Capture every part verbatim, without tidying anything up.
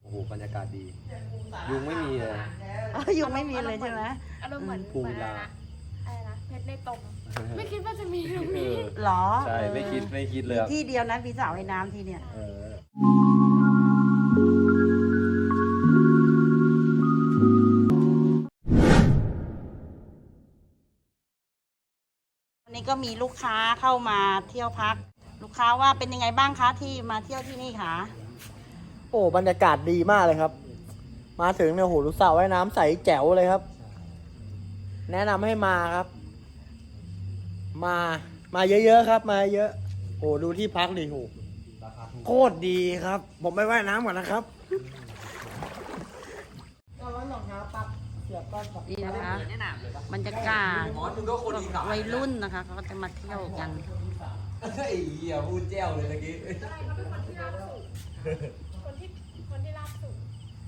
โอ้โหบรรยากาศดียุงไม่มีเลยยุงไม่มีเลยใช่ไหมอารมณ์เหมือนภูวิลาอะไรนะเพชรในตมไม่คิดว่าจะมีตรงนี้หรอใช่ไม่คิดไม่คิดเลยที่เดียวนะมีสระว่ายน้ำที่เนี่ยเออวันนี้ก็มีลูกค้าเข้ามาเที่ยวพัก ลูกค้าว่าเป็นยังไงบ้างคะที่มาเที่ยวที่นี่คะโอ้บรรยากาศดีมากเลยครับ มาถึงเนี่ยโหรู้สระว่ายน้ำใสแจ๋วเลยครับ แนะนำให้มาครับ มามาเยอะๆครับ มาเยอะโอ้ดูที่พักดิโหโคตรดีครับ ผมไปว่ายน้ำก่อนนะครับก็ร้อนรองเท้าปักเสียบก้อนกับนี่นะคะบรรยากาศวัยรุ่นนะคะเขาก็จะมาเที่ยวกันไอ้เหี้ยพูดแจ้วเลยเมื่อกี้คนที่คนที่ราบสูง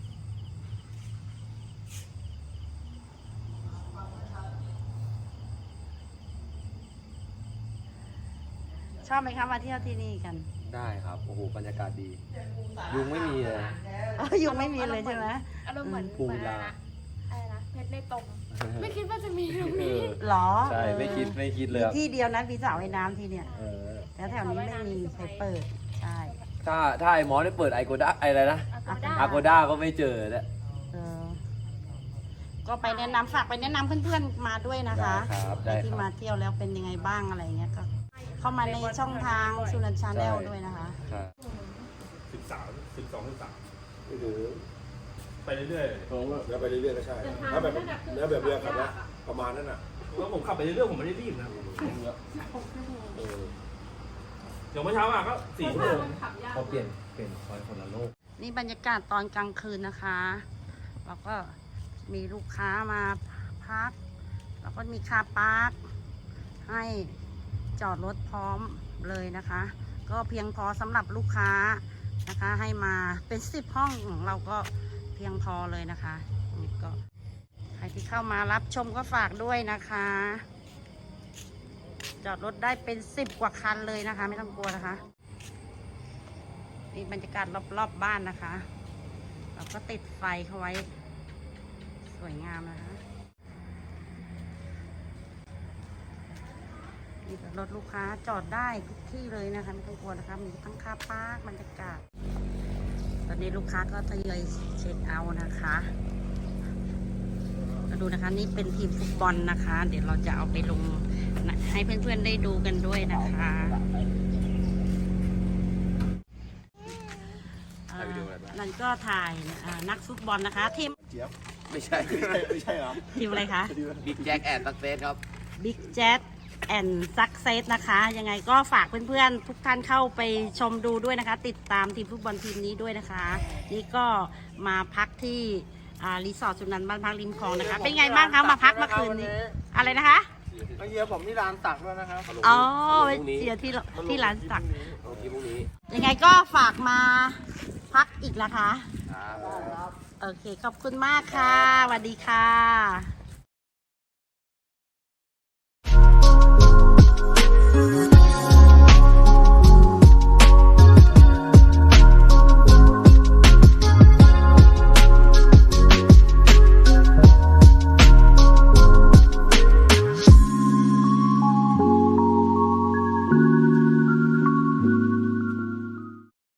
ชอบไหมคะมาเที่ยวที่นี่กันได้ครับโอ้โหบรรยากาศดียุงไม่มีเลยยุงไม่มีเลยใช่ไหมอารมณ์เหมือนภูวิลาอะไรนะเพชรในตมไม่คิดว่าจะมีตรงเอนี้อหรอใช่ไม่คิดไม่คิดเลยที่เดียวนะมีสระว่ายน้ำที่เนี่ยเออแล้วแถวนี้ไม่มีใครเปิดใช่ถ้าถ้าไอ้หมอได้เปิดไอโกด้าไออะไรนะ Agoda อาโกด้าก็ไม่เจอแล้วเออก็ไปแนะนำฝากไปแนะนำเพื่อนๆมาด้วยนะคะได้ครับได้ครับที่มาเที่ยวแล้วเป็นยังไงบ้างอะไรเงี้ยก็เข้ามาในช่องทางสุนันชาแนลด้วยนะคะครับสิบสามสิบสองสิบสามหรือไปเรื่อยแล้วไปเรื่อยๆก็ใช่ถ้าแบบแล้วแบบเรือขับแล้วประมาณนั้นอ่ะๆแล้วผมขับไปเรื่อยๆผมไม่ได้รีบนะเออเดี๋ยวเมื่อเช้ามาก็สี่ชั่วโมงเขาเปลี่ยนเปลี่ยนคอยคนละโลกนี่บรรยากาศตอนกลางคืนนะคะแล้วก็มีลูกค้ามาพัก แล้วก็มีคาร์พาร์คให้จอดรถพร้อมเลยนะคะ ก็เพียงพอสำหรับลูกค้านะคะ ให้มาเป็นสิบห้องของเราก็เพียงพอเลยนะคะนี่ก็ใครที่เข้ามารับชมก็ฝากด้วยนะคะ จอดรถได้เป็นสิบกว่าคันเลยนะคะ ไม่ต้องกลัวนะคะนี่บรรยากาศรอบๆ บบ้านนะคะเราก็ติดไฟเขาไว้สวยงามนะคะนี่รถลูกค้าจอดได้ทุกที่เลยนะคะไม่ต้องกลัวนะคะมีทั้งคาร์พาร์คบรรยากาศตอนนี้ลูกค้าก็ทยอยเช็คเอาท์นะคะมาดูนะคะนี่เป็นทีมฟุตบอลนะคะ เดี๋ยวเราจะเอาไปลงให้เพื่อนๆได้ดูกันด้วยนะคะอ่านั่นก็ถ่ายอ่านักฟุตบอลนะคะทีมไม่ใช่ไม่ใช่เหรอทีมอะไรคะบิ๊กแจ็คแอนด์ตักเซสครับ Big Jet and Success นะคะ ยังไงก็ฝากเพื่อนๆ ทุกท่านเข้าไปชมดูด้วยนะคะ ติดตามทีมฟุตบอลทีมนี้ด้วยนะคะ นี่ก็มาพักที่อ่ารีสอร์ทสุนันท์บ้านพักริมคลองนะคะ เป็นไงบ้างคะมาพักเมื่อคืนนี้ อะไรนะคะมาเยียผมที่ร้านตักด้วยนะครับอ๋อไปเชียร์ที่ที่ร้านสักโอเคพรุ่งนี้ยังไงก็ฝากมาพักอีกนะคะครับโอเค ขอบคุณมากค่ะสวัสดีค่ะ Thank you.